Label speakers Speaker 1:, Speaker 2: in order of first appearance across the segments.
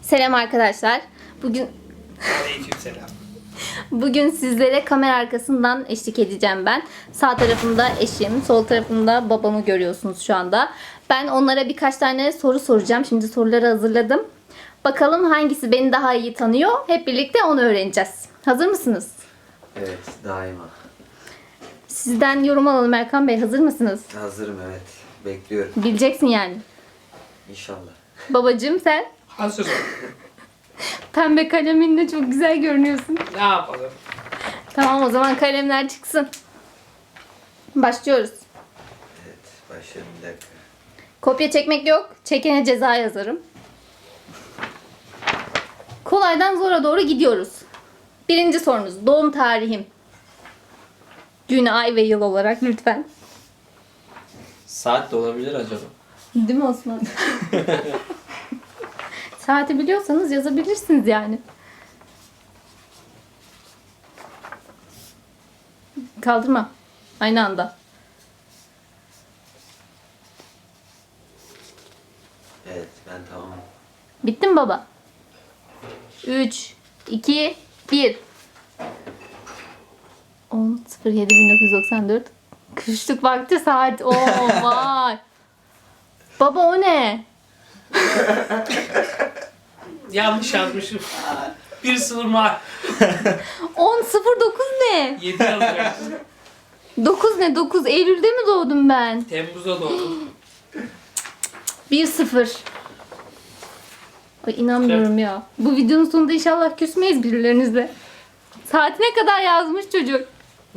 Speaker 1: Selam arkadaşlar.
Speaker 2: Aleykümselam.
Speaker 1: Bugün sizlere kamera arkasından eşlik edeceğim ben. Sağ tarafımda eşim, sol tarafımda babamı görüyorsunuz şu anda. Ben onlara birkaç tane soru soracağım. Şimdi soruları hazırladım. Bakalım hangisi beni daha iyi tanıyor. Hep birlikte onu öğreneceğiz. Hazır mısınız?
Speaker 3: Evet, daima.
Speaker 1: Sizden yorum alalım Erkan Bey. Hazır mısınız?
Speaker 3: Hazırım, evet. Bekliyorum.
Speaker 1: Bileceksin yani.
Speaker 3: İnşallah.
Speaker 1: Babacığım sen
Speaker 2: Hazırım.
Speaker 1: pembe kaleminle çok güzel görünüyorsun.
Speaker 2: Ne yapalım?
Speaker 1: Tamam, o zaman kalemler çıksın. Başlıyoruz.
Speaker 3: Evet, başlayalım bir dakika.
Speaker 1: Kopya çekmek yok. Çekene ceza yazarım. Kolaydan zora doğru gidiyoruz. Birinci sorunuz. Doğum tarihim. Gün, ay ve yıl olarak lütfen.
Speaker 4: Saat de olabilir acaba?
Speaker 1: Değil mi Osman? Saati biliyorsanız yazabilirsiniz yani. Kaldırma. Aynı anda.
Speaker 3: Evet, ben tamam.
Speaker 1: Bitti mi baba? 3, 2, 1. 10.07.1994. Kışlık vakti saat. Oo vay. Baba o ne?
Speaker 2: Yanlış yazmışım. Bir sınırma
Speaker 1: 10.09 ne?
Speaker 2: 7 yazacaksın.
Speaker 1: 9 ne? 9 Eylül'de mi doğdum ben?
Speaker 2: Temmuz'a doğdum.
Speaker 1: 1-0. Ay inanmıyorum ya. Bu videonun sonunda inşallah küsmeyiz birilerinizle. Saatine kadar yazmış çocuk.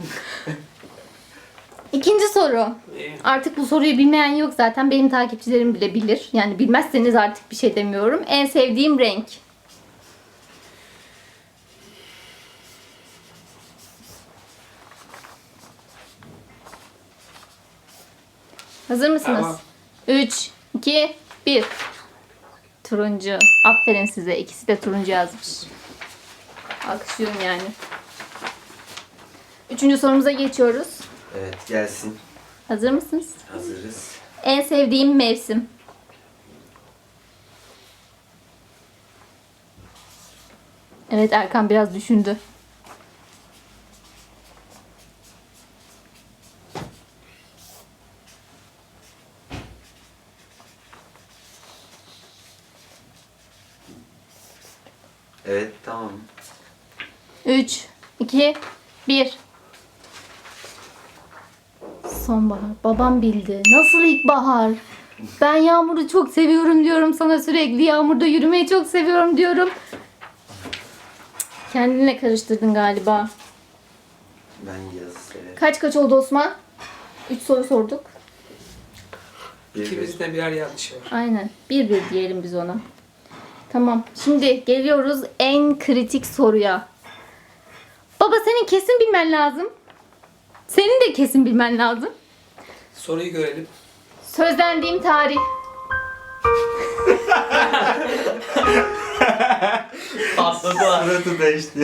Speaker 1: İkinci soru. Artık bu soruyu bilmeyen yok zaten. Benim takipçilerim bile bilir. Yani bilmezseniz artık bir şey demiyorum. En sevdiğim renk. Hazır mısınız?
Speaker 2: Tamam.
Speaker 1: 3, 2, 1. Turuncu. Aferin size. İkisi de turuncu yazmış. Alkışlıyorum yani. Üçüncü sorumuza geçiyoruz.
Speaker 3: Evet, gelsin.
Speaker 1: Hazır mısınız?
Speaker 3: Hazırız.
Speaker 1: En sevdiğim mevsim. Evet, Erkan biraz düşündü.
Speaker 3: Evet, tamam.
Speaker 1: 3, 2, 1. Sonbahar. Babam bildi. Nasıl ilkbahar? Ben yağmuru çok seviyorum diyorum sana sürekli. Yağmurda yürümeyi çok seviyorum diyorum. Kendinle karıştırdın galiba.
Speaker 3: Ben yazı severim.
Speaker 1: Kaç oldu Osman? 3 soru sorduk.
Speaker 2: İkimizde birer yanlış var.
Speaker 1: Aynen. 1-1 diyelim biz ona. Tamam. Şimdi geliyoruz en kritik soruya. Baba senin kesin bilmen lazım. Senin de kesin bilmen lazım.
Speaker 2: Soruyu görelim.
Speaker 1: Sözlendiğim tarih.
Speaker 4: Patladı.
Speaker 3: Suratı değişti.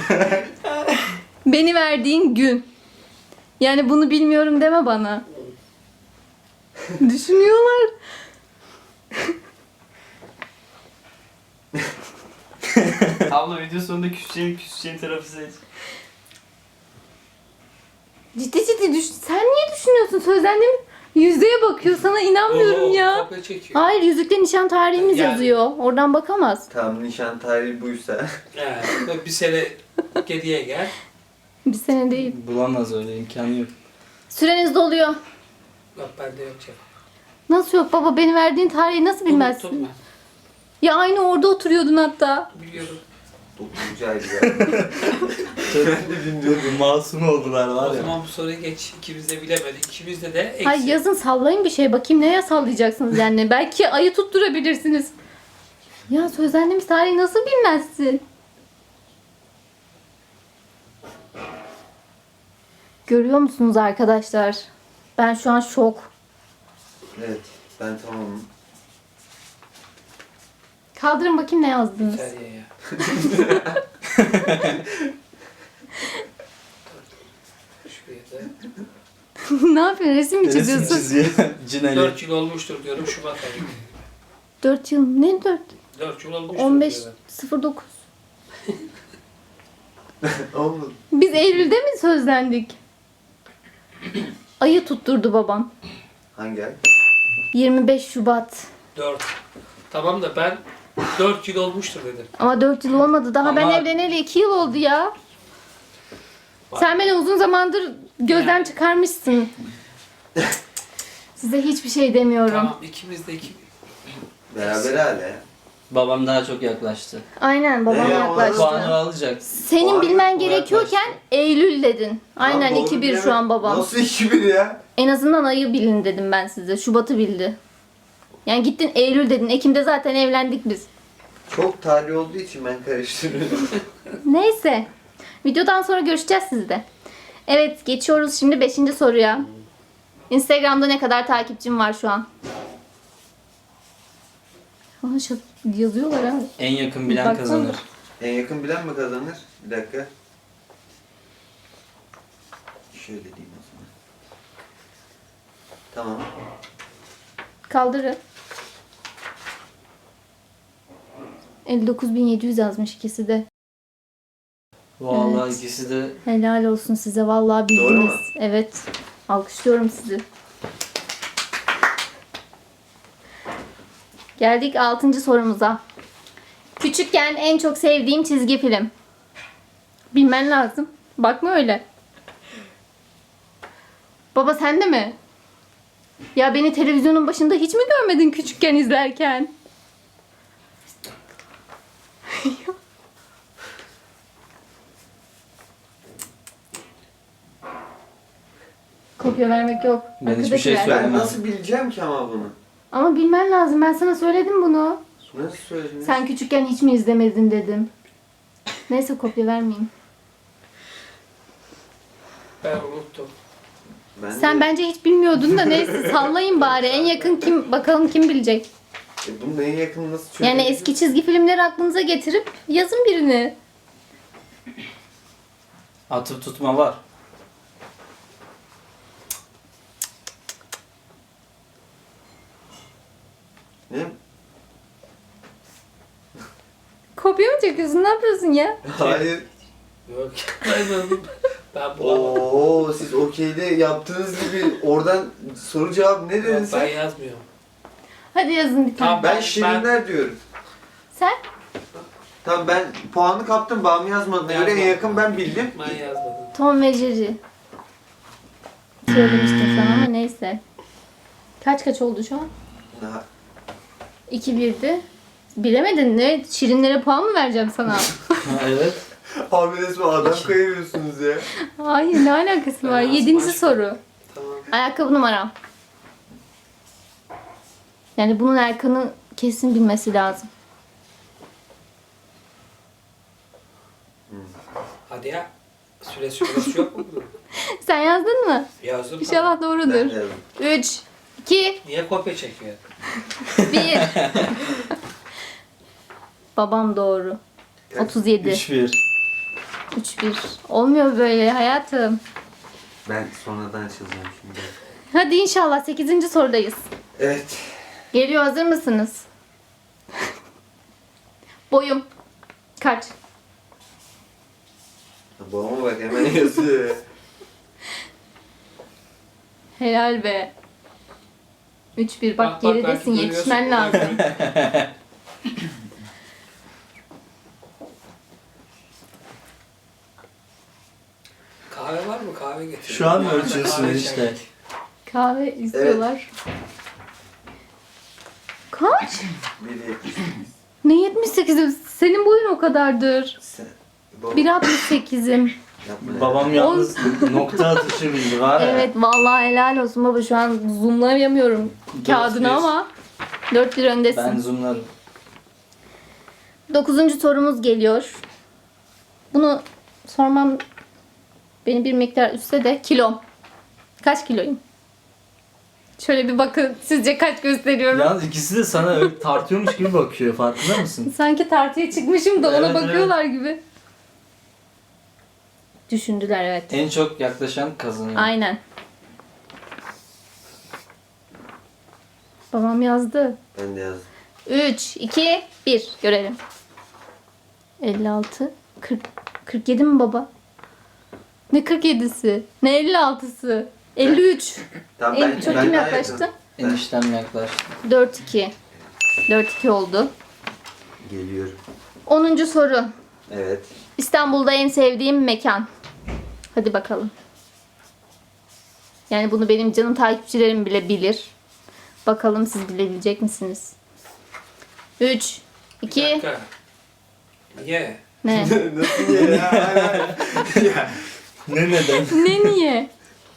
Speaker 1: Beni verdiğin gün. Yani bunu bilmiyorum deme bana. Düşünüyorlar.
Speaker 4: Abla video sonunda küseceğin tarafı seç.
Speaker 1: Ciddi düş. Sen niye düşünüyorsun? Sözlendiğim yüzdeye bakıyor. Sana inanmıyorum ya.
Speaker 2: Kopya çekiyor.
Speaker 1: Hayır, yüzükte nişan tarihimiz
Speaker 2: Yani.
Speaker 1: yazıyor. Oradan bakamaz.
Speaker 3: Tam nişan tarihi buysa.
Speaker 2: Bir sene geriye gel.
Speaker 1: Bir sene değil.
Speaker 4: Bulamaz öyle imkanı yok.
Speaker 1: Süreniz doluyor.
Speaker 2: Bak bende yok cevap.
Speaker 1: Nasıl yok baba? Beni verdiğin tarihi nasıl bilmezsin?
Speaker 2: Unuttum
Speaker 1: Ya aynı orada oturuyordun hatta.
Speaker 2: ben. Biliyorum.
Speaker 3: 9. aydı ya.
Speaker 4: Ben de bilmiyordum. Masum oldular
Speaker 2: O
Speaker 4: var ya.
Speaker 2: zaman bu soruyu geç. İkimiz de bilemedik. İkimizde de eksi.
Speaker 1: Hay yazın sallayın bir şey. Bakayım neye sallayacaksınız yani. Belki ayı tutturabilirsiniz. Ya sözlendiğimiz tarihi nasıl bilmezsin? Görüyor musunuz arkadaşlar? Ben şu an şok.
Speaker 3: Evet, ben tamamım.
Speaker 1: Kaldırın bakayım ne yazdınız.
Speaker 2: Seriye ya. Şuraya da.
Speaker 1: Ne yapıyorsun? Resim mi çiziyorsun?
Speaker 4: çiziyor. Cinali.
Speaker 2: 4 yıl olmuştur diyorum Şubat ayı.
Speaker 1: 4 yıl. Ne 4?
Speaker 2: 4 yıl olmuş.
Speaker 1: 15.09.
Speaker 3: Olmadı.
Speaker 1: Biz Eylül'de mi sözlendik? Ayı tutturdu babam.
Speaker 3: Hangi ay?
Speaker 1: 25 Şubat.
Speaker 2: 4. Tamam da ben 4 yıl olmuştur dedim.
Speaker 1: Ama 4 yıl olmadı. Daha ben
Speaker 4: Ama-
Speaker 1: evleneli 2 yıl oldu ya. Sen beni uzun zamandır gözden çıkarmışsın. Size hiçbir şey demiyorum.
Speaker 2: Tamam ikimiz de
Speaker 3: Beraber hala ya.
Speaker 4: Babam daha çok yaklaştı.
Speaker 1: Aynen babam
Speaker 3: Ne ya,
Speaker 1: yaklaştı.
Speaker 4: Puanı alacak.
Speaker 1: Senin
Speaker 3: Puanı
Speaker 1: bilmen
Speaker 3: o
Speaker 1: gerekiyorken
Speaker 3: yaklaştı.
Speaker 1: Eylül dedin. Aynen
Speaker 3: Lan doğru
Speaker 1: 2-1
Speaker 3: bilemem.
Speaker 1: şu an babam.
Speaker 3: Nasıl 2-1 ya?
Speaker 1: En azından ayı bilin dedim ben size. Şubat'ı bildi. Yani gittin Eylül dedin. Ekim'de zaten evlendik biz.
Speaker 3: Çok tarih olduğu için ben karıştırıyorum.
Speaker 1: Neyse. Videodan sonra görüşeceğiz sizde. Evet geçiyoruz şimdi 5. soruya. Instagram'da ne kadar takipçim var şu an? Aa, yazıyorlar ha.
Speaker 4: En yakın bilen
Speaker 1: Baksana.
Speaker 4: kazanır.
Speaker 3: En yakın bilen mi kazanır? Bir dakika. Şöyle diyeyim o zaman. Tamam.
Speaker 1: Kaldırın. 59.700 yazmış ikisi de.
Speaker 4: Vallahi
Speaker 1: Evet.
Speaker 4: ikisi de
Speaker 1: Helal olsun size vallahi bildiniz.
Speaker 3: Doğru mu?
Speaker 1: Evet. Alkışlıyorum sizi. Geldik 6. sorumuza. Küçükken en çok sevdiğim çizgi film. Bilmen lazım. Bakma öyle. Baba sen de mi? Ya beni televizyonun başında hiç mi görmedin küçükken izlerken? Kopya vermek yok.
Speaker 4: Ben hiçbir
Speaker 1: Arkadakiler.
Speaker 4: şey
Speaker 3: Ben
Speaker 4: söylemem.
Speaker 3: nasıl bileceğim ki ama bunu?
Speaker 1: Ama bilmen lazım. Ben sana söyledim bunu.
Speaker 3: Nasıl söylediniz?
Speaker 1: Sen küçükken hiç mi izlemedin dedim. Neyse kopya vermeyeyim.
Speaker 2: Ben unuttum.
Speaker 3: Ben
Speaker 1: Sen
Speaker 3: de-
Speaker 1: bence hiç bilmiyordun da neyse sallayın bari. En yakın kim bakalım kim bilecek.
Speaker 3: Bunun en yakını nasıl çözebiliriz?
Speaker 1: Yani eski çizgi filmleri aklınıza getirip yazın birini.
Speaker 4: Atıp tutma var.
Speaker 3: Ne?
Speaker 1: Kopya mı çekiyorsun? Ne yapıyorsun ya?
Speaker 3: Hayır.
Speaker 2: Yok. Ben bulamadım.
Speaker 3: Oo, siz okeyde yaptığınız gibi oradan soru cevap ne dedin
Speaker 2: Yok, ben
Speaker 3: sen?
Speaker 2: yazmıyorum.
Speaker 1: Hadi yazın bir tane.
Speaker 2: Tamam.
Speaker 3: Ben şirinler diyorum.
Speaker 1: Sen?
Speaker 3: Tamam ben puanı kaptım, bağımı yazmadığına göre en
Speaker 2: Yazmadım.
Speaker 3: yakın ben bildim.
Speaker 2: Ben yazmadım.
Speaker 1: Tom ve Jerry. Söylemiştim sana ama neyse. Kaç oldu şu an?
Speaker 3: Daha
Speaker 1: 2-1'di. Bilemedin ne? Şirinlere puan mı vereceğim sana?
Speaker 4: Evet.
Speaker 3: Abi resmen adam kayırıyorsunuz ya.
Speaker 1: Hayır ne alakası var?
Speaker 2: Ben
Speaker 1: 7.
Speaker 2: yazdım.
Speaker 1: soru.
Speaker 2: Tamam.
Speaker 1: Ayakkabı numaram. Yani bunun Erkan'ı kesin bilmesi lazım.
Speaker 2: Hadi ya. Süresi yok mu bunun?
Speaker 1: Sen yazdın mı?
Speaker 2: Yazdım.
Speaker 1: İnşallah
Speaker 3: Ben
Speaker 1: doğrudur.
Speaker 3: yazdım.
Speaker 1: 3, 2,
Speaker 2: Niye kopya çekiyor?
Speaker 1: 1. Babam doğru. 37.
Speaker 4: 3-1.
Speaker 1: 3-1. Olmuyor böyle hayatım.
Speaker 3: Ben sonradan açılacağım şimdi.
Speaker 1: Hadi inşallah 8. sorudayız.
Speaker 3: Evet.
Speaker 1: Geliyor, hazır mısınız? Boyum kaç?
Speaker 3: Babama bak hemen yazıyor ya.
Speaker 1: Helal be. 3-1. Bak
Speaker 2: Bak,
Speaker 1: geridesin,
Speaker 2: belki
Speaker 1: yetişmen
Speaker 2: görüyorsun.
Speaker 1: lazım.
Speaker 2: Kahve var mı? Kahve getir.
Speaker 4: Şu an mı
Speaker 2: Kahve
Speaker 4: ölçüyorsun
Speaker 2: çay.
Speaker 4: işte?
Speaker 1: Kahve istiyorlar. Kaç?
Speaker 3: 1.78.
Speaker 1: Ne 78'im? Senin boyun o kadardır.
Speaker 3: Sen... Baba,
Speaker 1: 1.68'im.
Speaker 3: yapma ya.
Speaker 4: Babam yalnız nokta atışı bildi var ya.
Speaker 1: Evet vallahi helal olsun baba, şu an zoomlayamıyorum kağıdını
Speaker 4: 4-1.
Speaker 1: ama 4-1 öndesin.
Speaker 4: Ben zoomlarım.
Speaker 1: 9. sorumuz geliyor. Bunu sormam beni bir miktar üstse de kilom. Kaç kiloyum? Şöyle bir bakın, sizce kaç gösteriyorum?
Speaker 4: Yalnız ikisi de sana öyle tartıyormuş gibi bakıyor, farkında mısın?
Speaker 1: Sanki tartıya çıkmışım da ona
Speaker 4: Evet,
Speaker 1: bakıyorlar gibi. Düşündüler evet.
Speaker 4: En çok yaklaşan kazanıyor.
Speaker 1: Aynen. Babam yazdı.
Speaker 3: Ben de yazdım.
Speaker 1: 3, 2, 1. Görelim. 56, 40, 47 mi baba? Ne 47'si? Ne 56'sı? 53.
Speaker 3: Tamam
Speaker 1: En çok kim
Speaker 3: daha
Speaker 1: yaklaştı?
Speaker 3: yakın.
Speaker 4: Eniştem yaklaştı.
Speaker 1: 4-2. 4-2 oldu.
Speaker 3: Geliyorum.
Speaker 1: 10. soru.
Speaker 3: Evet.
Speaker 1: İstanbul'da en sevdiğim mekan. Hadi bakalım. Yani bunu benim canım takipçilerim bile bilir. Bakalım siz bilebilecek misiniz? 3,
Speaker 2: Bir
Speaker 1: 2,
Speaker 2: dakika. Niye?
Speaker 1: ne?
Speaker 3: Nasıl ya? ya?
Speaker 4: Ne neden?
Speaker 1: Ne niye?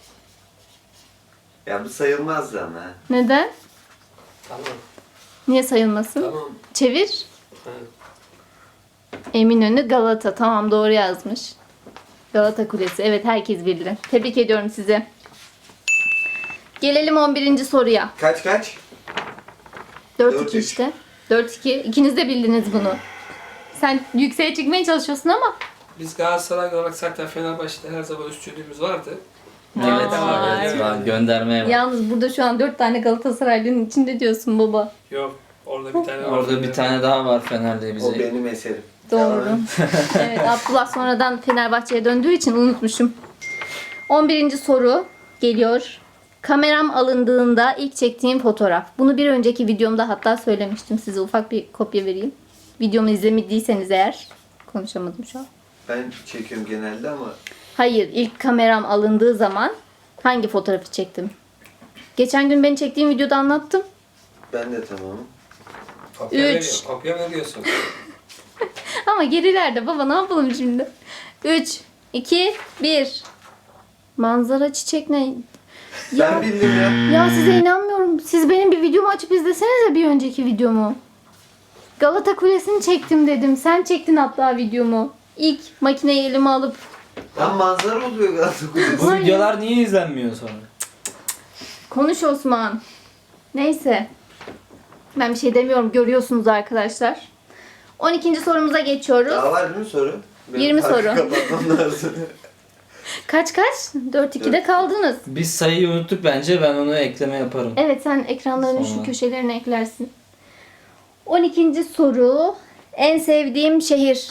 Speaker 3: Ya bu sayılmazdı ama.
Speaker 1: Neden?
Speaker 2: Tamam.
Speaker 1: Niye sayılmasın?
Speaker 2: Tamam.
Speaker 1: Çevir.
Speaker 2: Ha.
Speaker 1: Eminönü Galata. Tamam doğru yazmış. Galata Kulesi. Evet herkes bildi. Tebrik ediyorum sizi. Gelelim 11. soruya.
Speaker 3: Kaç?
Speaker 1: 4-2
Speaker 3: 4-3.
Speaker 1: işte. 4-2. İkiniz de bildiniz bunu. Sen yükseğe çıkmaya çalışıyorsun ama.
Speaker 2: Biz Galatasaray olarak zaten Fenerbahçe'de her zaman üstünlüğümüz vardı.
Speaker 4: Evet,
Speaker 1: Vay.
Speaker 4: evet var. Göndermeye var.
Speaker 1: Yalnız burada şu an 4 tane Galatasaraylı'nın içinde diyorsun baba.
Speaker 2: Yok. Orada bir tane var.
Speaker 4: Orada bir tane daha var Fener'de
Speaker 3: O
Speaker 4: bize.
Speaker 3: benim eserim.
Speaker 1: Doğru.
Speaker 3: Tamam.
Speaker 1: Evet Abdullah sonradan Fenerbahçe'ye döndüğü için unutmuşum. 11. soru geliyor. Kameram alındığında ilk çektiğim fotoğraf. Bunu bir önceki videomda hatta söylemiştim. Size ufak bir kopya vereyim. Videomu izlemediyseniz eğer. Konuşamadım şu an.
Speaker 3: Ben çekiyorum genelde ama
Speaker 1: Hayır, ilk kameram alındığı zaman hangi fotoğrafı çektim? Geçen gün beni çektiğim videoda anlattım.
Speaker 3: ben de tamamım.
Speaker 2: Kopya
Speaker 1: Üç.
Speaker 2: veriyor. Kopya veriyorsun.
Speaker 1: Ama gerilerde baba ne yapalım şimdi? 3, 2, 1. Manzara çiçek ne? Ya,
Speaker 3: Ben bildim ya.
Speaker 1: ya size inanmıyorum. Siz benim bir videomu açıp izlesenize bir önceki videomu. Galata Kulesi'ni çektim dedim. Sen çektin hatta videomu. İlk makineyi elime alıp.
Speaker 3: Tam manzara oluyor Galatasaray Kulesi.
Speaker 4: Bu videolar niye izlenmiyor sonra?
Speaker 1: Konuş Osman. Neyse. Ben bir şey demiyorum. Görüyorsunuz arkadaşlar. 12. sorumuza geçiyoruz.
Speaker 3: Daha var değil mi soru?
Speaker 1: 20
Speaker 3: farkı
Speaker 1: soru.
Speaker 3: kapatmam lazım.
Speaker 1: Kaç? 4-2'de kaldınız.
Speaker 4: Biz sayıyı unuttuk bence. Ben onu ekleme yaparım.
Speaker 1: Evet sen ekranların şu
Speaker 4: Sonra.
Speaker 1: köşelerine eklersin. 12. soru. En sevdiğim şehir.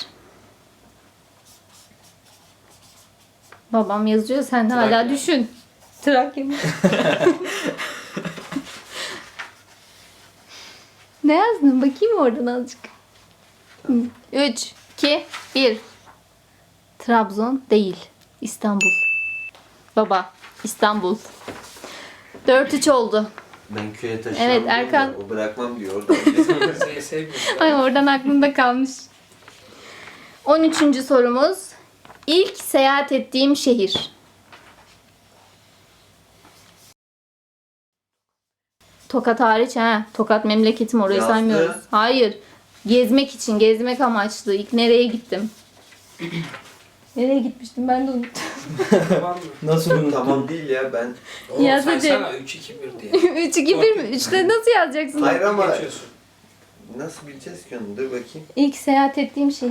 Speaker 1: Babam yazıyor sen hala
Speaker 2: Trakya.
Speaker 1: düşün. Trakya mı? Ne yazdın? Bakayım oradan azıcık. 3, 2, 1. Trabzon değil. İstanbul. Baba, İstanbul. 4-3 oldu.
Speaker 3: Ben köye taşıyamam.
Speaker 1: Evet,
Speaker 3: diyor
Speaker 1: Erkan.
Speaker 3: da O bırakmam diyor orada.
Speaker 2: Seni sevmiyorum.
Speaker 1: Ay oradan aklımda kalmış. 13. sorumuz. İlk seyahat ettiğim şehir. Tokat hariç ha. Tokat memleketim orayı
Speaker 3: Yazdı.
Speaker 1: saymıyoruz. Hayır. Gezmek için, gezmek amaçlı. İlk nereye gittim? Nereye gitmiştim ben de unuttum.
Speaker 2: Tamam mı?
Speaker 4: Nasıl unuttun?
Speaker 3: Tamam değil ya ben.
Speaker 2: Oğlum
Speaker 1: Yaz
Speaker 2: sen
Speaker 1: hadi.
Speaker 2: sana 3-2-1 diye.
Speaker 1: 3 2 1 mi? 3'te nasıl yazacaksın?
Speaker 3: Hayır ama
Speaker 2: Geçiyorsun.
Speaker 3: nasıl bileceğiz ki onu? Dur bakayım.
Speaker 1: İlk seyahat ettiğim şehir.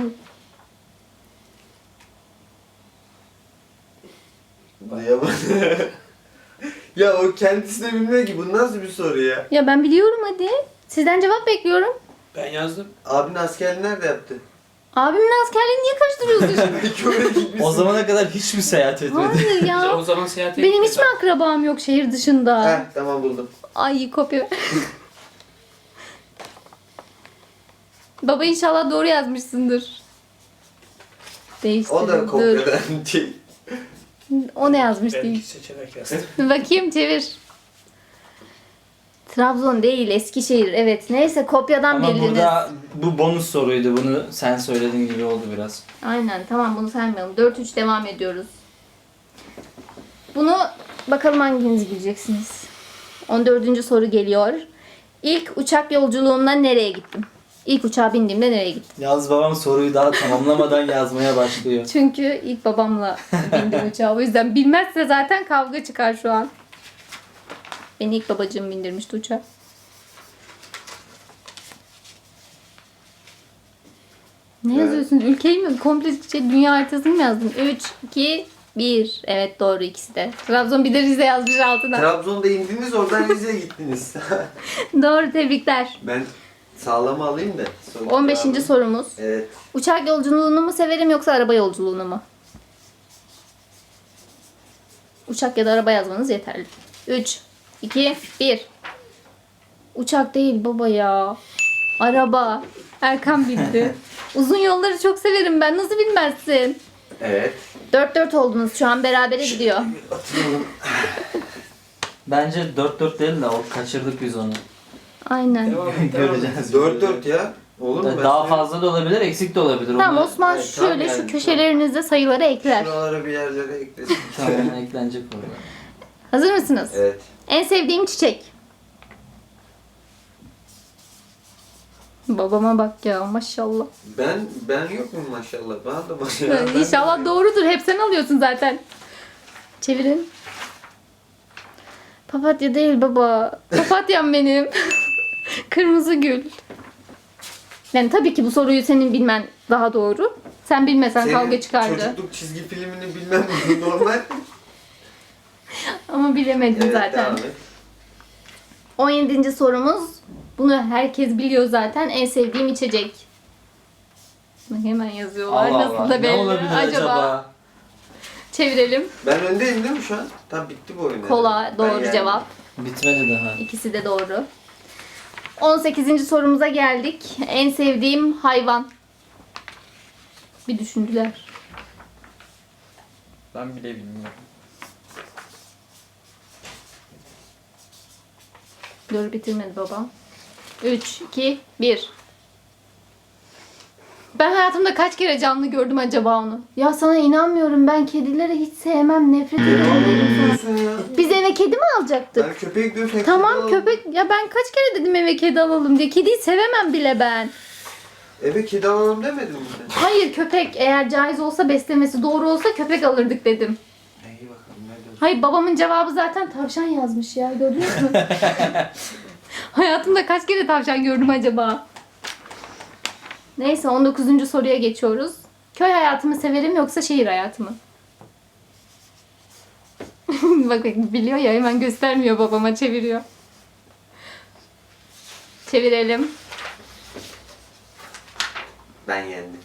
Speaker 3: Duyamadım. Ya o kendisi de bilmiyor ki bu nasıl bir soru ya.
Speaker 1: Ya ben biliyorum hadi. Sizden cevap bekliyorum.
Speaker 2: Ben yazdım.
Speaker 3: Abin askerliği nerede yaptı?
Speaker 1: Abimin askerliğini niye karıştırıyorsun?
Speaker 3: Belki oraya gitmişsin.
Speaker 4: O zamana kadar hiç mi seyahat etmedi?
Speaker 1: Hayır
Speaker 2: Biz
Speaker 1: ya.
Speaker 2: o zaman seyahate
Speaker 1: Benim hiç
Speaker 2: gittik.
Speaker 1: mi akrabam yok şehir dışında?
Speaker 3: Heh tamam buldum.
Speaker 1: Ay kopya. Baba inşallah doğru yazmışsındır. Değiştirin.
Speaker 3: O da
Speaker 1: Dur.
Speaker 3: kopyadan değil.
Speaker 1: O ne yazmış
Speaker 2: Ben
Speaker 1: değil.
Speaker 2: iki seçenek yazdım.
Speaker 1: Bakayım çevir. Trabzon değil Eskişehir. Evet neyse kopyadan
Speaker 4: Ama
Speaker 1: bildiniz.
Speaker 4: burada bu bonus soruydu. Bunu sen söylediğin gibi oldu biraz.
Speaker 1: Aynen tamam bunu saymayalım. 4-3 devam ediyoruz. Bunu bakalım hanginiz bileceksiniz. 14. soru geliyor. İlk uçak yolculuğumda nereye gittim? İlk uçağa bindiğimde nereye gittim?
Speaker 4: Yalnız babam soruyu daha tamamlamadan yazmaya başlıyor.
Speaker 1: Çünkü ilk babamla bindim uçağa. O yüzden bilmezse zaten kavga çıkar şu an. Beni ilk babacığım bindirmişti uçağa. Ne
Speaker 3: Evet.
Speaker 1: yazıyorsun? Ülkeyi mi? Komple dünya haritasını mı yazdın? 3, 2, 1. Evet doğru ikisi de. Trabzon bir de Rize yazmış altına.
Speaker 3: Trabzon'da indiniz oradan Rize'ye gittiniz.
Speaker 1: Doğru tebrikler.
Speaker 3: Ben Sağlama alayım da. Son
Speaker 1: 15.
Speaker 3: cevabı.
Speaker 1: sorumuz.
Speaker 3: Evet.
Speaker 1: Uçak yolculuğunu mu severim yoksa araba yolculuğunu mu? Uçak ya da araba yazmanız yeterli. 3, 2, 1. Uçak değil baba ya. Araba. Erkan bildi. Uzun yolları çok severim ben. Nasıl bilmezsin?
Speaker 3: Evet.
Speaker 1: 4-4 oldunuz. Şu an berabere gidiyor.
Speaker 3: Atayalım.
Speaker 4: Bence 4-4 değil de o kaçırdık biz onu.
Speaker 1: Aynen.
Speaker 2: Devam et, devam et.
Speaker 4: Göreceğiz.
Speaker 3: 4-4 ya. Olur mu? Ben
Speaker 4: Daha
Speaker 3: sana-
Speaker 4: fazla da olabilir, eksik de olabilir.
Speaker 1: Tamam
Speaker 4: Onu-
Speaker 1: Osman
Speaker 3: Evet, tamam
Speaker 1: şöyle şu
Speaker 3: yani.
Speaker 1: köşelerinizde sayıları ekler.
Speaker 3: Şuralara bir yerlere eklesin.
Speaker 4: Tamam, eklenecek oraya.
Speaker 1: Hazır mısınız?
Speaker 3: Evet.
Speaker 1: En sevdiğim çiçek. Babama bak ya maşallah.
Speaker 3: Ben yok mu maşallah? Bana da maşallah. Ben-
Speaker 1: İnşallah doğrudur. Hep sen alıyorsun zaten. Çevirin. Papatya değil baba. Papatyam benim. Kırmızı gül. Yani tabii ki bu soruyu senin bilmen daha doğru. Sen bilmesen
Speaker 3: Senin
Speaker 1: kavga çıkardı.
Speaker 3: çocukluk çizgi filmini bilmem bu normal.
Speaker 1: Ama bilemedin
Speaker 3: Evet,
Speaker 1: zaten.
Speaker 3: devam et.
Speaker 1: 17. sorumuz. Bunu herkes biliyor zaten. En sevdiğim içecek. Bak hemen yazıyorlar.
Speaker 4: Allah
Speaker 1: Nasıl
Speaker 4: Allah.
Speaker 1: da
Speaker 4: Ne
Speaker 1: belli.
Speaker 4: olabilir acaba?
Speaker 1: Çevirelim.
Speaker 3: Ben öndeyim değil mi şu an? Tam bitti bu oyun.
Speaker 1: Kola
Speaker 3: herhalde.
Speaker 1: doğru
Speaker 3: Ben yendim.
Speaker 1: cevap.
Speaker 4: Bitmedi daha.
Speaker 1: İkisi de doğru. 18. sorumuza geldik. En sevdiğim hayvan. Bir düşündüler.
Speaker 4: Ben bile bilmiyorum.
Speaker 1: Dur bitirmedi babam. 3, 2, 1. Ben hayatımda kaç kere canlı gördüm acaba onu? Ya sana inanmıyorum. Ben kedileri hiç sevmem. Nefret
Speaker 3: Ne
Speaker 1: ediyorum dedim sana.
Speaker 3: diyorsun ya?
Speaker 1: Biz eve kedi mi alacaktık?
Speaker 3: Ben köpek diyorum sen kedi
Speaker 1: Tamam
Speaker 3: al.
Speaker 1: köpek. Ya ben kaç kere dedim eve kedi alalım diye. Kediyi sevemem bile ben.
Speaker 3: Eve kedi alalım demedin mi sen?
Speaker 1: Hayır köpek eğer caiz olsa beslemesi doğru olsa köpek alırdık dedim.
Speaker 3: İyi bakalım ne diyorsun?
Speaker 1: Hayır babamın cevabı zaten tavşan yazmış ya gördünüz mü? Hayatımda kaç kere tavşan gördüm acaba? Neyse 19. soruya geçiyoruz. Köy hayatımı severim yoksa şehir hayatı mı? Bak biliyor ya hemen göstermiyor babama çeviriyor. Çevirelim.
Speaker 3: Ben yendim.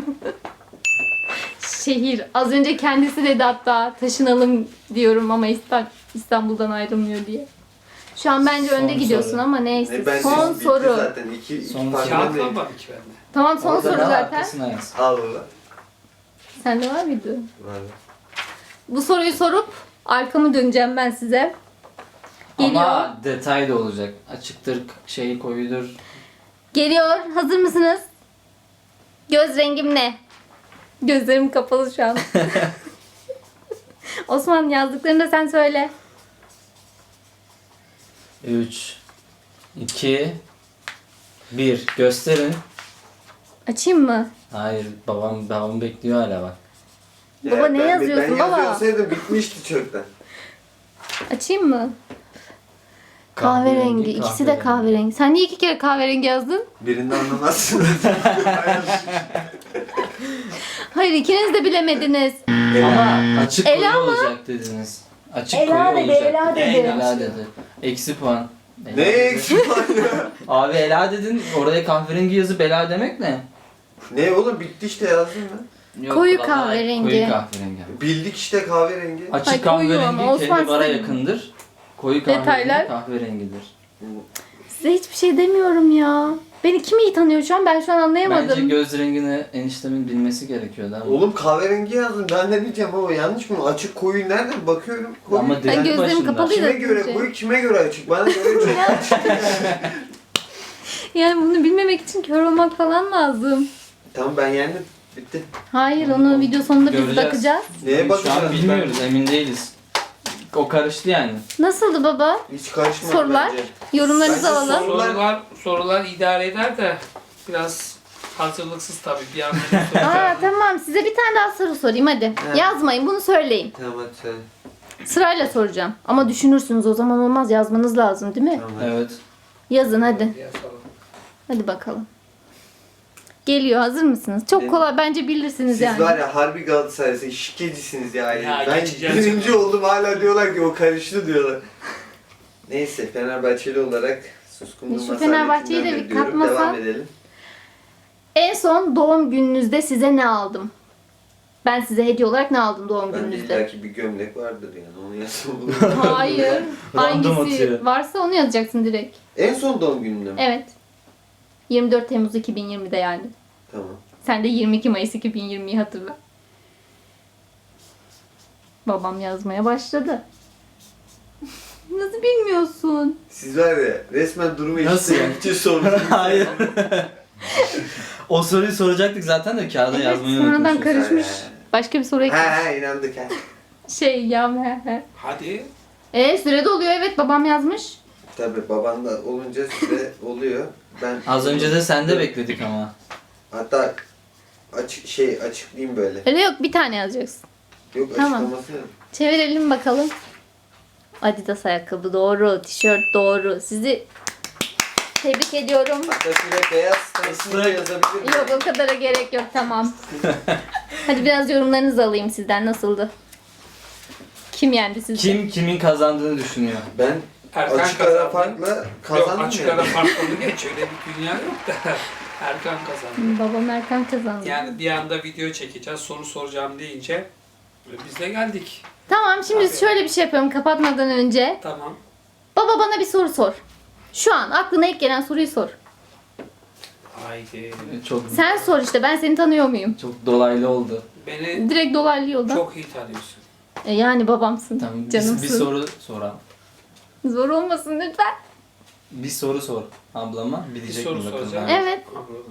Speaker 1: Şehir. Az önce kendisi dedi hatta taşınalım diyorum ama İstanbul'dan ayrılmıyor diye. Şu an bence
Speaker 4: Son
Speaker 1: önde gidiyorsun
Speaker 4: soru.
Speaker 1: ama neyse.
Speaker 3: Ne, ben
Speaker 1: Son
Speaker 3: bitti
Speaker 1: soru.
Speaker 3: Zaten iki
Speaker 4: Son
Speaker 3: farklı
Speaker 2: Kağıt
Speaker 3: değil.
Speaker 2: kalmadı ki bende.
Speaker 1: Tamam son
Speaker 3: Orada
Speaker 1: soru
Speaker 4: Ne var?
Speaker 1: zaten.
Speaker 4: Arkasına yaz.
Speaker 3: Al ulan.
Speaker 1: Sende var mıydı?
Speaker 3: Var.
Speaker 1: Bu soruyu sorup arkamı döneceğim ben size. Geliyor.
Speaker 4: Ama detay da olacak. Açıktır, şey koyudur.
Speaker 1: Geliyor. Hazır mısınız? Göz rengim ne? Gözlerim kapalı şu an. Osman yazdıklarını da sen söyle.
Speaker 4: 3 2 1 gösterin.
Speaker 1: Açayım mı?
Speaker 4: Hayır, babam bekliyor hala bak.
Speaker 1: Baba, ne yazıyorsun
Speaker 3: ben
Speaker 1: baba?
Speaker 3: Ben yazıyorsaydım bitmişti çoktan.
Speaker 1: Açayım mı? Kahverengi. İkisi de kahverengi. Sen niye 2 kere kahverengi yazdın?
Speaker 3: Birini anlamazsın.
Speaker 1: Hayır ikiniz de bilemediniz.
Speaker 4: Ama açık
Speaker 1: Ela
Speaker 4: koyu
Speaker 1: mı?
Speaker 4: olacak dediniz. Açık
Speaker 1: Ela
Speaker 4: koyu
Speaker 1: dedi,
Speaker 4: olacak.
Speaker 1: Ela dedi.
Speaker 4: Ela dedi. Eksi puan. Ela
Speaker 3: Ne
Speaker 4: dedi.
Speaker 3: eksik var ya?
Speaker 4: Abi Ela dedin, oraya kahverengi yazıp Ela demek ne?
Speaker 3: Ne oğlum bitti işte yazdım ben.
Speaker 4: Yok,
Speaker 1: Koyu
Speaker 4: vallahi
Speaker 1: kahverengi.
Speaker 4: Koyu kahverengi.
Speaker 3: Bildik işte kahverengi.
Speaker 4: Açık
Speaker 1: Ay, koyu ama
Speaker 4: kahverengi
Speaker 1: Osman
Speaker 4: kendi bara
Speaker 1: size-
Speaker 4: yakındır. Koyu kahverengi
Speaker 1: Detaylar.
Speaker 4: kahverengidir.
Speaker 1: Size hiçbir şey demiyorum ya. Beni kim iyi tanıyor şu an? Ben şu an anlayamadım.
Speaker 4: Bence göz rengini eniştemin bilmesi gerekiyordu ama.
Speaker 3: Oğlum kahverengi yazdım. Ben ne bileceğim baba yanlış mı? Açık koyu nerede bakıyorum. Koyu.
Speaker 4: Ama
Speaker 1: Ben
Speaker 4: direkt
Speaker 1: gözlerim
Speaker 4: başında.
Speaker 1: kapalı.
Speaker 3: Kime
Speaker 1: biraz
Speaker 3: göre
Speaker 1: önce.
Speaker 3: koyu kime göre açık? Bana göre çok açık.
Speaker 1: Yani bunu bilmemek için kör olmak falan lazım.
Speaker 3: Tamam ben yendim. Bitti.
Speaker 1: Hayır onu video sonunda biz
Speaker 4: Göreceğiz.
Speaker 1: bakacağız.
Speaker 3: Neye
Speaker 4: Şu
Speaker 3: bakacağız?
Speaker 4: an bilmiyoruz, emin değiliz. O karıştı yani.
Speaker 1: Nasıldı baba?
Speaker 3: Hiç karışmadı
Speaker 1: Sorular?
Speaker 3: bence.
Speaker 1: Yorumlarınızı
Speaker 3: Bence
Speaker 1: alalım.
Speaker 2: Sorular idare eder de biraz hazırlıksız tabii bir anda.
Speaker 1: Aa tamam size bir tane daha soru sorayım hadi.
Speaker 3: Evet.
Speaker 1: Yazmayın bunu söyleyin.
Speaker 3: Tamam hadi söyle.
Speaker 1: Sırayla soracağım. Ama düşünürsünüz o zaman olmaz yazmanız lazım değil mi?
Speaker 3: Tamam hadi.
Speaker 4: Evet.
Speaker 1: Yazın hadi.
Speaker 2: Diye soralım.
Speaker 1: Hadi bakalım. Geliyor hazır mısınız? Çok
Speaker 3: Evet.
Speaker 1: kolay bence bilirsiniz
Speaker 3: Siz
Speaker 1: yani.
Speaker 3: var ya harbi Galatasaray'sı şikecisiniz ya.
Speaker 2: Ya,
Speaker 3: Ben
Speaker 2: geçeceğiz.
Speaker 3: birinci oldum hala diyorlar ki o karıştı diyorlar. Neyse Fenerbahçeli olarak Suskunluğuma
Speaker 1: Şu Fenerbahçe'yi de bir
Speaker 3: saadetinden diyorum.
Speaker 1: katmasa-
Speaker 3: Devam edelim.
Speaker 1: En son doğum gününüzde size ne aldım? Ben size hediye olarak ne aldım doğum
Speaker 3: Bende
Speaker 1: gününüzde?
Speaker 3: illaki bir gömlek vardır yani. Onu yazsam olur.
Speaker 1: Hayır.
Speaker 5: Random
Speaker 1: Hangisi
Speaker 5: atıyor.
Speaker 1: varsa onu yazacaksın direkt.
Speaker 3: En son doğum gününde mi?
Speaker 1: Evet. 24 Temmuz 2020'de yani.
Speaker 3: Tamam.
Speaker 1: Sen de 22 Mayıs 2020'yi hatırla. Babam yazmaya başladı. Nasıl bilmiyorsun?
Speaker 3: Siz var ya resmen durumu
Speaker 5: Nasıl
Speaker 3: eşitlemek için sordunuz.
Speaker 5: Hayır. O soruyu soracaktık zaten de kağıda
Speaker 1: Evet,
Speaker 5: yazmayı
Speaker 1: sonradan
Speaker 5: unutmuşuz.
Speaker 1: karışmış. Başka bir soru eklemiş.
Speaker 3: Ha inandık ha.
Speaker 1: Şey ya he.
Speaker 2: Hadi.
Speaker 1: Sürede oluyor evet babam yazmış.
Speaker 3: Tabii baban da olunca süre oluyor. Ben
Speaker 5: Az önce de sende bekledik ama.
Speaker 3: hatta açıklayayım böyle.
Speaker 1: Öyle yok bir tane yazacaksın.
Speaker 3: Yok
Speaker 1: Tamam.
Speaker 3: açıklaması yok.
Speaker 1: Çevirelim bakalım. Adidas ayakkabı doğru, tişört doğru. Sizi tebrik ediyorum.
Speaker 3: Hatta şöyle beyaz stansını yazabilir miyim?
Speaker 1: Yok o kadara gerek yok tamam. Hadi biraz yorumlarınızı alayım sizden nasıldı? Kim yendi sizce?
Speaker 5: Kim kimin kazandığını düşünüyor.
Speaker 3: Ben
Speaker 2: Erkan
Speaker 3: açık ara
Speaker 2: kazandı.
Speaker 3: farkla
Speaker 2: Yok
Speaker 3: kazandım
Speaker 2: açık
Speaker 3: yani.
Speaker 2: ara farklı geç. Öyle bir dünya yok da. Erkan kazandı.
Speaker 1: Babam Erkan kazandı.
Speaker 2: Yani bir anda video çekeceğiz, soru soracağım deyince biz de geldik.
Speaker 1: Tamam şimdi
Speaker 2: Abi.
Speaker 1: şöyle bir şey yapıyorum kapatmadan önce.
Speaker 2: Tamam.
Speaker 1: Baba bana bir soru sor. Şu an aklına ilk gelen soruyu sor.
Speaker 2: Haydi.
Speaker 5: Çok
Speaker 1: Sen sor işte ben seni tanıyor muyum?
Speaker 5: çok dolaylı oldu.
Speaker 2: Beni
Speaker 1: Direkt dolaylı yoldan.
Speaker 2: çok iyi tanıyorsun.
Speaker 1: Yani babamsın.
Speaker 5: Tamam
Speaker 1: Canımsın.
Speaker 5: bir soru soralım.
Speaker 1: Zor olmasın lütfen.
Speaker 5: Bir soru sor ablama
Speaker 2: Bir
Speaker 5: bilecek
Speaker 2: soru
Speaker 5: mi bakalım.
Speaker 2: soracağım.
Speaker 5: Ha.
Speaker 1: Evet.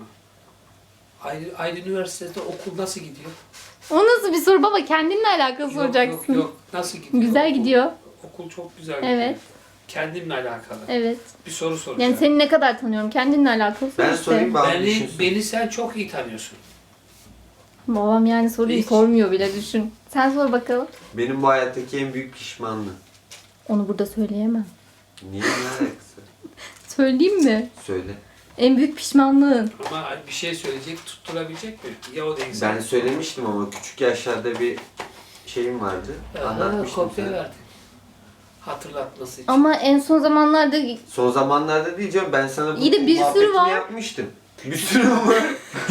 Speaker 2: Aydın Üniversitesi'nde okul nasıl gidiyor?
Speaker 1: O nasıl bir soru baba kendinle alakalı soracaksın.
Speaker 2: Yok. Nasıl gidiyor?
Speaker 1: Güzel
Speaker 2: Okul-
Speaker 1: gidiyor.
Speaker 2: Okul çok güzel gidiyor.
Speaker 1: Evet.
Speaker 2: Kendimle alakalı.
Speaker 1: Evet.
Speaker 2: Bir soru soracağım.
Speaker 1: Yani seni ne kadar tanıyorum kendinle alakalı sor
Speaker 3: Ben
Speaker 1: işte.
Speaker 3: sorayım bana
Speaker 2: Beni,
Speaker 3: düşünsün.
Speaker 2: beni sen çok iyi tanıyorsun.
Speaker 1: Babam yani soruyu
Speaker 2: Hiç.
Speaker 1: sormuyor bile düşün. Sen sor bakalım.
Speaker 3: Benim bu hayattaki en büyük pişmanlığım.
Speaker 1: Onu burada söyleyemem.
Speaker 3: Niye ne alakası?
Speaker 1: Söyleyeyim mi?
Speaker 3: Söyle.
Speaker 1: En büyük pişmanlığın.
Speaker 2: Ama bir şey söyleyecek, tutturabilecek mi? Ya o değilse.
Speaker 3: Ben söylemiştim ama küçük yaşlarda bir şeyim vardı. Anlatmıştım
Speaker 2: Kopya
Speaker 3: sana.
Speaker 2: verdim. Hatırlatması için.
Speaker 1: Ama en son zamanlarda
Speaker 3: Son zamanlarda diyeceğim ben sana bu
Speaker 1: İyi de bir sürü
Speaker 3: muhabbetini
Speaker 1: var.
Speaker 3: yapmıştım. Bir sürü var.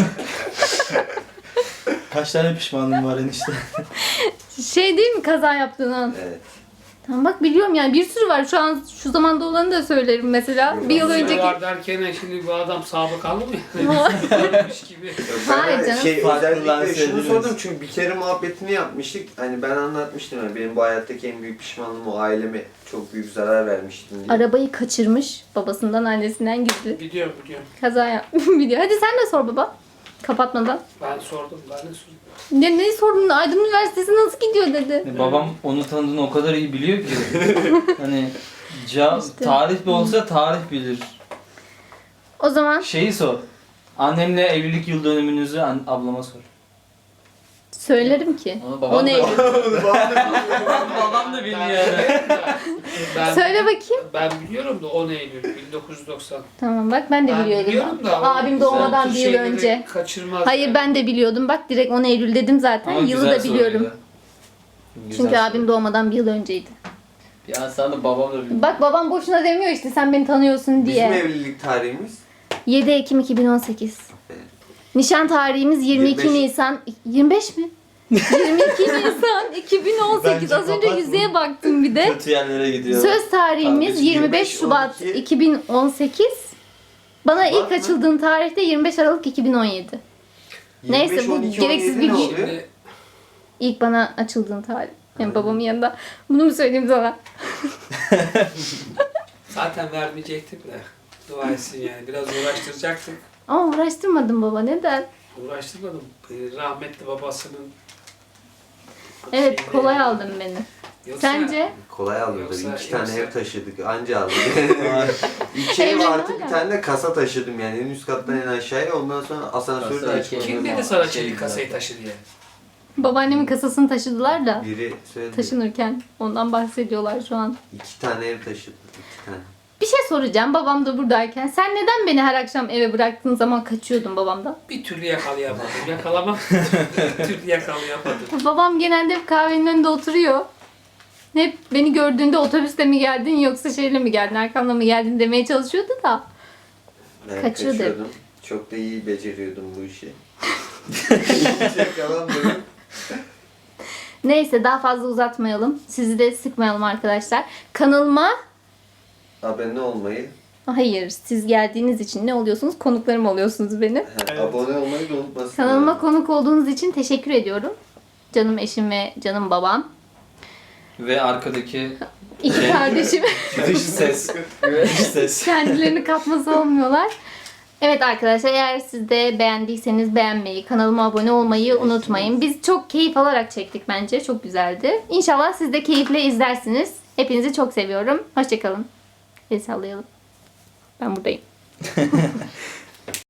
Speaker 5: Kaç tane pişmanlığın var enişte?
Speaker 1: şey değil mi kaza yaptığın an?
Speaker 3: Evet.
Speaker 1: Tamam bak biliyorum yani bir sürü var. Şu an şu zamanda olanı da söylerim mesela.
Speaker 3: Yok,
Speaker 1: Bir yıl
Speaker 3: önceki-
Speaker 1: önceki.
Speaker 2: Var derken şimdi bu adam sabıkalı mı? Ölmüş gibi.
Speaker 1: Hayır
Speaker 3: Ben
Speaker 1: canım.
Speaker 5: Farklılar
Speaker 3: özellikle şunu
Speaker 5: söylediniz.
Speaker 3: sordum çünkü bir kere muhabbetini yapmıştık. Hani ben anlatmıştım yani benim bu hayattaki en büyük pişmanlığım o aileme çok büyük zarar vermiştim diye.
Speaker 1: Arabayı kaçırmış. Babasından annesinden gizli.
Speaker 2: Biliyorum.
Speaker 1: Kaza yapmış. Biliyor. Hadi sen de sor baba. Kapatmadan.
Speaker 2: Ben sordum. Ben de sordum.
Speaker 1: Ne sordun? Aydın Üniversitesi nasıl gidiyor dedi.
Speaker 5: Babam onu tanıdığını o kadar iyi biliyor ki. Hani
Speaker 1: İşte.
Speaker 5: tarih de olsa tarih bilir.
Speaker 1: O zaman
Speaker 5: Şeyi sor. Annemle evlilik yıl dönümünüzü ablama sor.
Speaker 1: söylerim ki.
Speaker 5: Onu
Speaker 1: O
Speaker 5: babam
Speaker 1: neydi?
Speaker 5: Babam da biliyor yani.
Speaker 2: Ben,
Speaker 1: Söyle bakayım.
Speaker 2: ben biliyorum da 10 Eylül 1990.
Speaker 1: Tamam bak ben de
Speaker 2: Ben
Speaker 1: biliyordum.
Speaker 2: biliyorum da.
Speaker 1: Abim doğmadan bir yıl önce.
Speaker 2: Kaçırmaz.
Speaker 1: Hayır ben de biliyordum. Bak direkt 10 Eylül dedim zaten.
Speaker 5: Ama
Speaker 1: Yılı
Speaker 5: güzel
Speaker 1: da biliyorum.
Speaker 5: soruydu. Güzel
Speaker 1: Çünkü
Speaker 5: soru.
Speaker 1: abim doğmadan bir yıl önceydi.
Speaker 5: Ya sen de babam da biliyor.
Speaker 1: Bak babam boşuna demiyor işte sen beni tanıyorsun
Speaker 3: Bizim
Speaker 1: diye.
Speaker 3: evlilik tarihimiz
Speaker 1: 7 Ekim 2018.
Speaker 3: Evet.
Speaker 1: Nişan tarihimiz 22
Speaker 3: 25.
Speaker 1: Nisan. 25 mi? 22 Nisan 2018.
Speaker 5: Bence
Speaker 1: Az önce
Speaker 5: kapatma.
Speaker 1: yüzeye baktım bir de.
Speaker 5: Kötü yerlere gidiyor.
Speaker 1: Söz tarihimiz
Speaker 3: Tamam,
Speaker 1: 25 Şubat
Speaker 3: 12.
Speaker 1: 2018. Bana
Speaker 3: Var
Speaker 1: ilk
Speaker 3: mı?
Speaker 1: açıldığın tarihte 25 Aralık 2017. Neyse,
Speaker 3: 25,
Speaker 1: bu
Speaker 3: 12,
Speaker 1: gereksiz
Speaker 3: 17
Speaker 1: bir
Speaker 3: ne
Speaker 1: gün.
Speaker 3: oluyor?
Speaker 2: Şimdi
Speaker 1: İlk bana açıldığın tarih. Yani babamın yanında. Bunu mu söyleyeyim sana?
Speaker 2: zaten vermeyecektim de. Dua etsin yani. Biraz uğraştıracaktık.
Speaker 1: Ama uğraştırmadım baba neden?
Speaker 2: Uğraştırmadım. Rahmetli babasının
Speaker 1: Evet
Speaker 2: şeyini-
Speaker 1: kolay aldın beni.
Speaker 2: Yoksa-
Speaker 1: Sence?
Speaker 3: Kolay alıyordu.
Speaker 2: Yoksa-
Speaker 3: 2 tane
Speaker 2: yoksa-
Speaker 3: ev taşıdık. Anca aldık. 2 ev
Speaker 1: Evlendi
Speaker 3: artı
Speaker 1: hala.
Speaker 3: bir tane de kasa taşıdım yani. En üst kattan en aşağıya. Ondan sonra asansörü de
Speaker 5: Kasa
Speaker 3: açmadım.
Speaker 2: Kim
Speaker 5: Şey
Speaker 2: dedi sana
Speaker 5: güzel.
Speaker 2: çelik kasayı taşı diye?
Speaker 1: Babaannemin kasasını taşıdılar da
Speaker 3: Biri söyledi.
Speaker 1: taşınırken ondan bahsediyorlar şu an.
Speaker 3: 2 tane ev taşıdık. 2 tane.
Speaker 1: Bir şey soracağım babam da buradayken. Sen neden beni her akşam eve bıraktığın zaman kaçıyordun babamdan?
Speaker 2: Bir türlü yakalayamadım. Yakalamam. Bir türlü yakalayamadım.
Speaker 1: Babam genelde hep kahvenin önünde oturuyor. Hep beni gördüğünde otobüste mi geldin yoksa şeyle mi geldin, arkamda mı geldin demeye çalışıyordu da.
Speaker 3: Ben
Speaker 1: Kaçıyordu.
Speaker 3: kaçıyordum. Çok da iyi beceriyordum bu işi. Yakalanmadım.
Speaker 1: Neyse daha fazla uzatmayalım. Sizi de sıkmayalım arkadaşlar. Kanalıma
Speaker 3: Abone olmayı,
Speaker 1: hayır, siz geldiğiniz için ne oluyorsunuz? Konuklarım oluyorsunuz benim.
Speaker 4: Evet.
Speaker 3: abone olmayı da unutmasın.
Speaker 1: Kanalıma konuk olduğunuz için teşekkür ediyorum. Canım eşim ve canım babam.
Speaker 5: Ve arkadaki
Speaker 1: İki kardeşim
Speaker 5: dış ses. Dış ses.
Speaker 1: kendilerini kapması olmuyorlar. Evet arkadaşlar, eğer siz de beğendiyseniz beğenmeyi, kanalıma abone olmayı unutmayın. Biz çok keyif alarak çektik bence. Çok güzeldi. İnşallah siz de keyifle izlersiniz. Hepinizi çok seviyorum. Hoşçakalın. El sallayalım. Ben buradayım.